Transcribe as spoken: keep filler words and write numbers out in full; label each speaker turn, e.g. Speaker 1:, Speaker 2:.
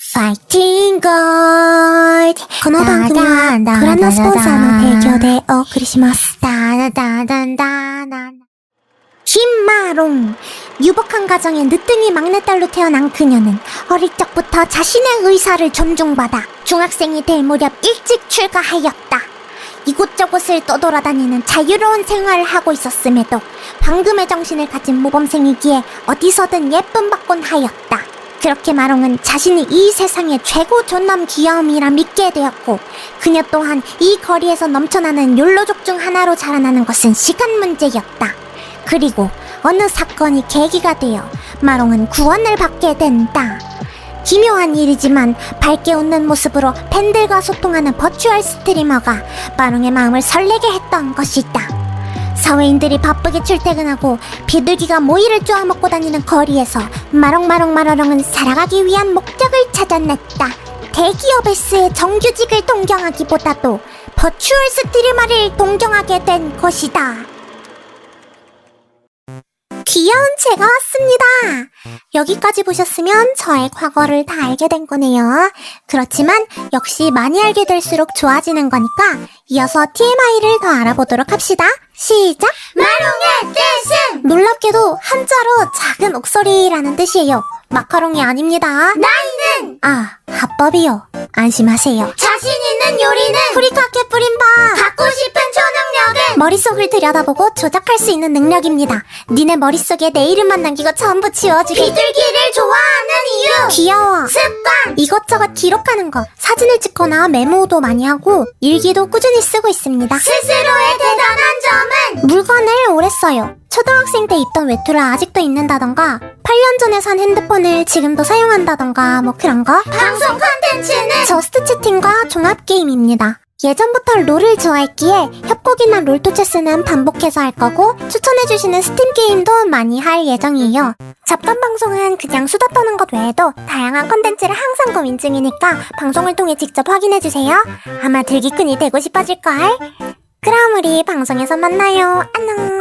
Speaker 1: 파이팅 골드 この番組はご覧のスポンサーの提供でお送りします。김마롱 유복한 가정의 늦둥이 막내딸로 태어난 그녀는 어릴 적부터 자신의 의사를 존중받아 중학생이 될 무렵 일찍 출가하였다. 이곳저곳을 떠돌아다니는 자유로운 생활을 하고 있었음에도 방금의 정신을 가진 모범생이기에 어디서든 예쁨 받곤 하였다. 그렇게 마롱은 자신이 이 세상의 최고 존남 귀여움이라 믿게 되었고 그녀 또한 이 거리에서 넘쳐나는 욜로족 중 하나로 자라나는 것은 시간 문제였다. 그리고 어느 사건이 계기가 되어 마롱은 구원을 받게 된다. 기묘한 일이지만 밝게 웃는 모습으로 팬들과 소통하는 버추얼 스트리머가 마롱의 마음을 설레게 했던 것이다. 사회인들이 바쁘게 출퇴근하고 비둘기가 모이를 쪼아먹고 다니는 거리에서 마롱마롱마롱은 살아가기 위한 목적을 찾아냈다. 대기업에서의 정규직을 동경하기보다도 버추얼 스트리머를 동경하게 된 것이다. 귀여운 제가 왔습니다. 여기까지 보셨으면 저의 과거를 다 알게 된 거네요. 그렇지만 역시 많이 알게 될수록 좋아지는 거니까 이어서 티엠아이를 더 알아보도록 합시다. 시작! 마롱의 뜻은! 놀랍게도 한자로 작은 옥소리라는 뜻이에요. 마카롱이 아닙니다. 나이는! 아, 합법이요. 안심하세요. 자신 있는 요리는! 후리카케 뿌린밥! 갖고 싶은 초능력은! 머릿속을 들여다보고 조작할 수 있는 능력입니다. 니네 머릿속에 내 이름만 남기고 전부 지워주게. 비둘기를 좋아하는 이유! 귀여워. 습관! 이것저것 기록하는 거. 사진을 찍거나 메모도 많이 하고 일기도 꾸준히 쓰고 있습니다. 스스로의 대단한 점은? 물건을 오래 써요. 초등학생 때 입던 외투를 아직도 입는다던가 팔 년 전에 산 핸드폰을 지금도 사용한다던가 뭐 그런 거. 방송 콘텐츠는? 저스트 채팅과 종합 게임입니다. 예전부터 롤을 좋아했기에 협곡이나 롤토체스는 반복해서 할 거고 추천해주시는 스팀 게임도 많이 할 예정이에요. 잡담 방송은 그냥 수다 떠는 것 외에도 다양한 콘텐츠를 항상 고민 중이니까 방송을 통해 직접 확인해주세요. 아마 들기꾼이 되고 싶어질걸. 그럼 우리 방송에서 만나요. 안녕.